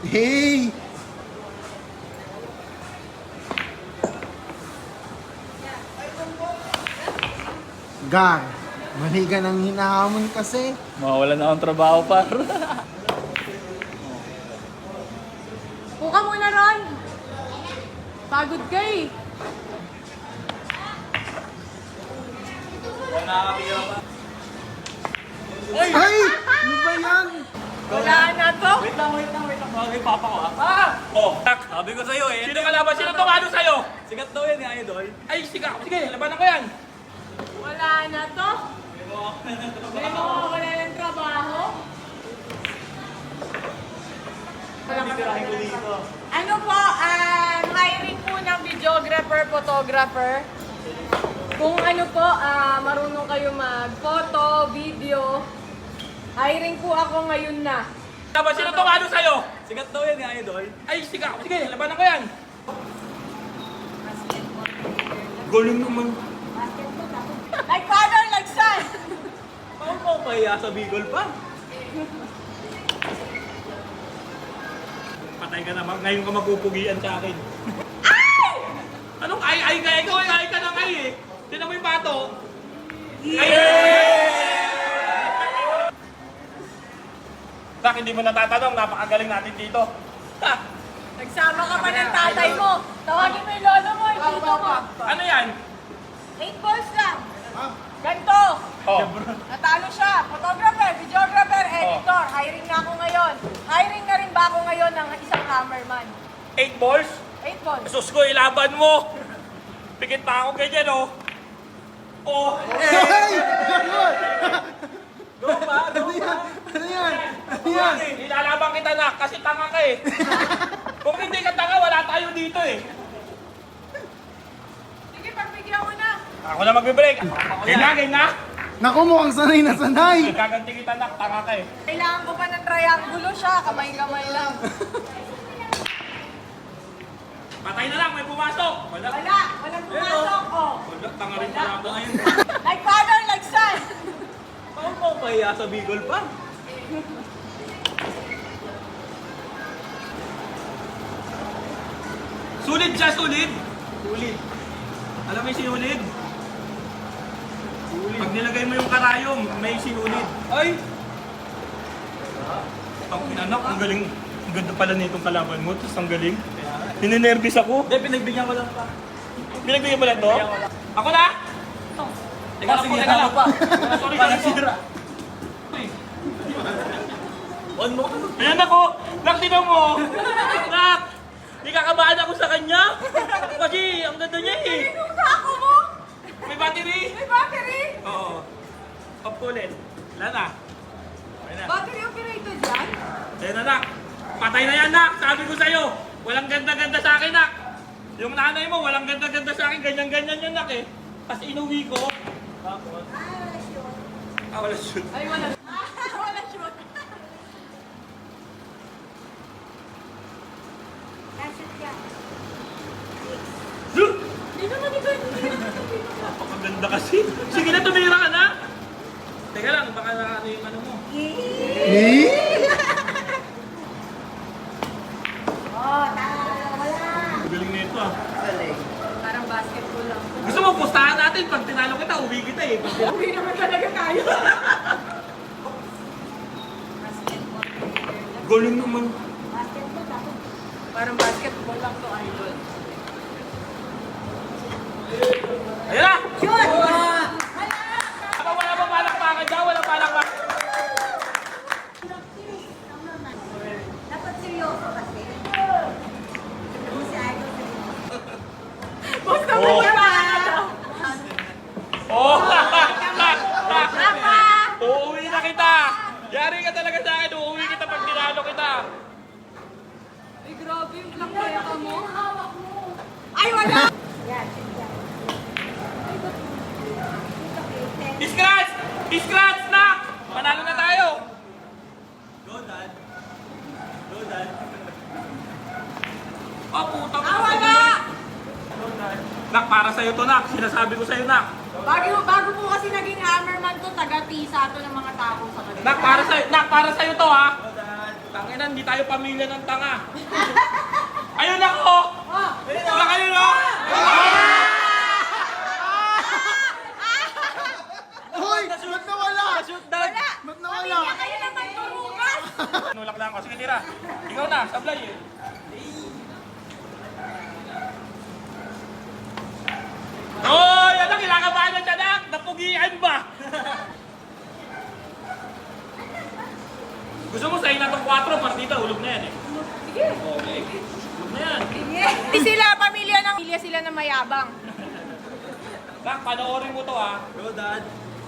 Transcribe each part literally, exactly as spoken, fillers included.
Hey! Gar, mali ka nang hinahamon kasi. Mawawala na akong trabaho, par. Puka muna ron! Pagod ka eh. Ay! Ano ba yan? Wala na to. Wait lang, wait lang, wait lang. Bagay papa ko, ah. Ah! Oh, tak, sabi ko sa'yo eh. Sino kalaban? Sino tumalo sa'yo? Sikat daw yan, eh, idol. Ay, sikat. Sige, labanan ko yan. Wala na to. May mawawala ng trabaho. Titirahin ko dito. Ano po, ah, hiring po ng videographer, photographer. Kung ano po, ah, marunong kayo mag-photo, video. Hiring po ako ngayon na. Laban, sino tumalo sa'yo? Sikat daw yan, eh, idol. Ay, sikat. Sige, labanan ko yan. Galing naman. Like father, like son. Paano ko kaya sa Bicol pa? Patay ka naman. Ngayon ka magpupugian sa akin. Ay! Anong ay ay ka? Ikaw ay ay ka ng ay eh. Tinan mo yung pato. Ay! Sak, hindi mo natatanong. Napakagaling natin dito. Ha? Nagsama ka pa ng tatay mo. Tawagin mo yung lolo mo, yung tito mo. Ano yan? Eight balls lang. Ganto. Oh. Natalo siya. Photographer, videographer, editor. Hiring na ako ngayon. Hiring na rin ba ako ngayon ng isang hammerman? Eight balls? Eight balls. Sus ko, ilaban mo. Pikit pa ako ganyan, oh. Oh. Hey! Go pa, go Ano yan? pa. Ano yan? Ano yan? Ilalaban kita na kasi tanga ka eh. Kung hindi ka tanga, wala tayo dito eh. Sige, pagbigyan mo na. Ako na magbe-break. Game na, game na. Naku, mukhang sanay na sanay. Gaganti kita na, tanga ka eh. Kailangan ko pa ng triangulo siya. Kamay-kamay lang. Patay na lang, may pumasok. Wala. Wala. Walang pumasok. Oh. Wala, tanga rin pala ako ngayon. Like father, like son. Paano ko kaya sa Bicol pa? Sulit siya, sulit. Sulit. Alam mo yung sinulid? Sulit. Pag nilagay mo yung karayom, may sinulid. Ay! Ang pinanak, ang galing. Ang ganda pala nitong kalaban mo, tapos ang galing. Ninenervous ako. Hindi, pinagbigyan ko lang pa. Pinagbigyan mo lang to? Ako na? Teka lang po, teka lang. Sorry, sorry po. On mo. Ayan ako! Nak, tinan mo! Nak! Di kakabahan ako sa kanya! Kasi ang ganda niya eh! Sinuka ako mo. May battery! May battery. Oo. Pop ko ulit. Wala na. Ayan na. Battery operated yan? Ayan na, Nak. Patay na yan, Nak! Sabi ko sa'yo, walang ganda-ganda sa akin, Nak! Yung nanay mo, walang ganda-ganda sa akin, ganyan-ganyan yan, Nak eh. Tapos inuwi ko. Tapos? Ah, wala shoot. Ay, wala. Wala shoot. Zoom! Hindi naman ikaw. Hindi naman ikaw. Napakaganda kasi. Sige na, tumira ka na. Teka lang, baka na ano yung ano mo. Eh? Oh, tama. Wala. Ang galing na ito ah. Parang basketball lang. Gusto mo, pustahan natin. Pag tinalo kita, uwi kita eh. Pag tinalo- Uwi naman talaga tayo. Galing naman. Parang basketball lang to, idol. Ayan na! Shoot! Wala, wala ba palakpakan dyan? Wala palakpakan. Dapat seryoso kasi. Kung si Idol Basta mo Oh. ba? Oh! Papa! Uuwi na kita! Yari ka talaga sa akin. Uuwi kita pag tinalo kita. Ay, grabe yung black kaya ka mo. Ay, wala! Yan, yan. Scratch! Scratch na! Panalo na tayo! Go, Dad. Go, Dad. Oh, putang Ah, wala! Nak, para sa'yo to, Nak. Sinasabi ko sa'yo, Nak. Bago, bago po kasi naging hammerman to, taga-tisa to ng mga tao sa kanila. Nak, para sa'yo, Nak, para sa'yo to, ha? Tangina, hindi tayo pamilya ng tanga. Ayun ako! Wala kayo, no? Hoy! Ba't nawala? Shoot down! Ba't nawala? Kayo naman turugas! Nulak lang ako. Sige, tira. Ikaw na, sablay eh. Hoy! Ano, kinakabahan na siya, nak? Napugian ba? Gusto mo sa'yo na itong kwatro, partita, hulog na yan eh. Sige. Okay. Hulog na yan. Hindi sila pamilya ng pamilya sila na mayabang. Nak, panoorin mo to ah. Go, Dad.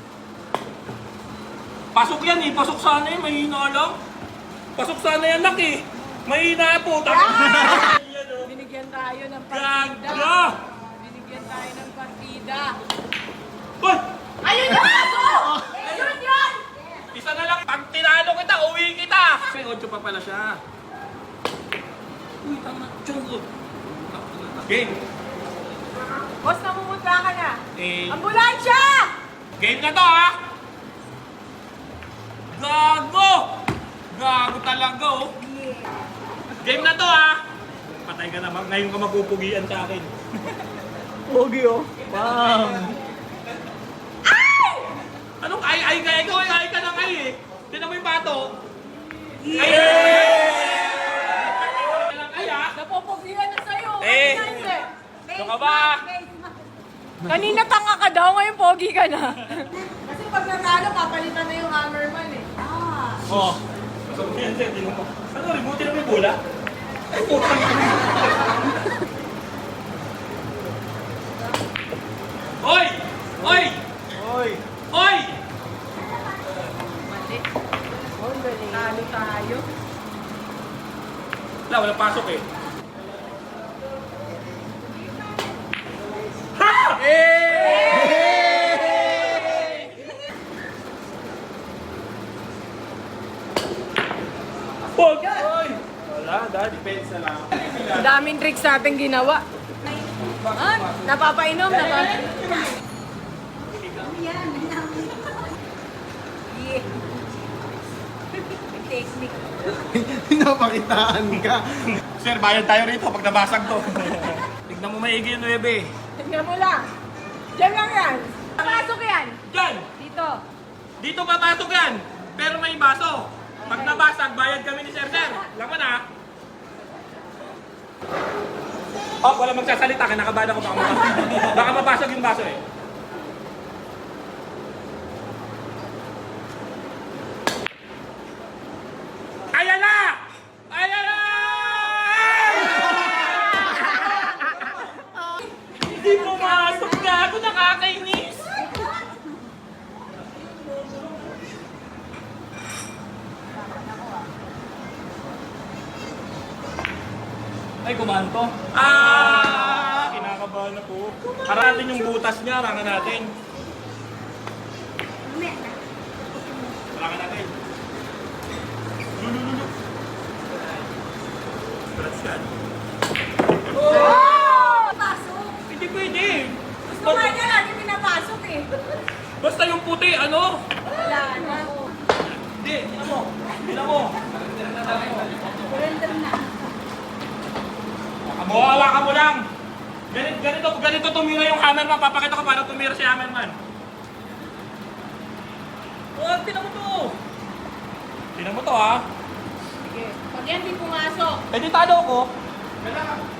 Pasok yan eh. Pasok sana eh. Mahina lang. Pasok sana yan, nak eh. Mahina po. Yan, oh. Binigyan tayo ng partida. Gaga! Binigyan tayo ng partida. Hoy! Ayun yung aso! Yun yun! Isa na lang. Pag tinalo kita, uwi kita. Kasi ocho pa pala siya. Uy, tama. Chungo. Game. Boss, namumutra ka na. Eh, Ambulansya! game na to ha. Gago! Gago talaga oh. Game na to ha. Patay ka naman. Ngayon ka mapupugian sa akin. Pogi oh. Bang! Anong ay ay ka? Ikaw ay ay ka ng ay eh. Tinan mo yung pato. Ay! Ay ah. Napopogihan na sa'yo. Eh. Kanina hindi. Ano ka ba? Kanina tanga ka daw, ngayon pogi ka na. Kasi pag natalo, papalitan na yung hammerman eh. Ah. Oh. Masama yan sir. Tinan mo. Ano? Remote na may bola? Ay putang ina. Hoy! Hoy! Hoy! Hoy! Mali. Oh, galing. Talo tayo. Wala, walang pasok eh. Ha! Pog! Wala, dahil defense na lang. Ang daming tricks natin ginawa. Ah, napapainom, napapainom. Yan. Yeah. Technique. Pinapakitaan ka. Sir, bayad tayo rito pag nabasag to. Tignan mo maigi yung nuebe. Tingnan mo lang. Diyan lang yan. Pasok yan. Diyan! Dito. Dito papasok yan! Pero may baso. Pag nabasag, bayad kami ni Sir Sir. Laman ha? Oh, wala magsasalita. Kinakabahan ako baka mapasok. Baka mapasok yung baso eh. Ayan na! Ayan na! Hindi pumasok na ako. Nakakainis. Ay, kumanto. Ah! Kinakabahan na po. Haratin yung butas niya. Harangan natin. Harangan natin. Lulululu. Scratch yan. Oh! Pasok. Hindi pwede. Gusto nga niya lagi pinapasok eh. Basta yung puti, ano? Wala na. Hindi, tingnan mo. Tingnan mo. Surrender na. Kamuhawa ka mo lang. Ganito, ganito, ganito tumira yung hammerman. Papakita ko paano tumira si hammerman. Oh, tingnan mo to. Tingnan mo to ha. Sige. Pag yan di pumasok. Eh di talo ko. Kailangan.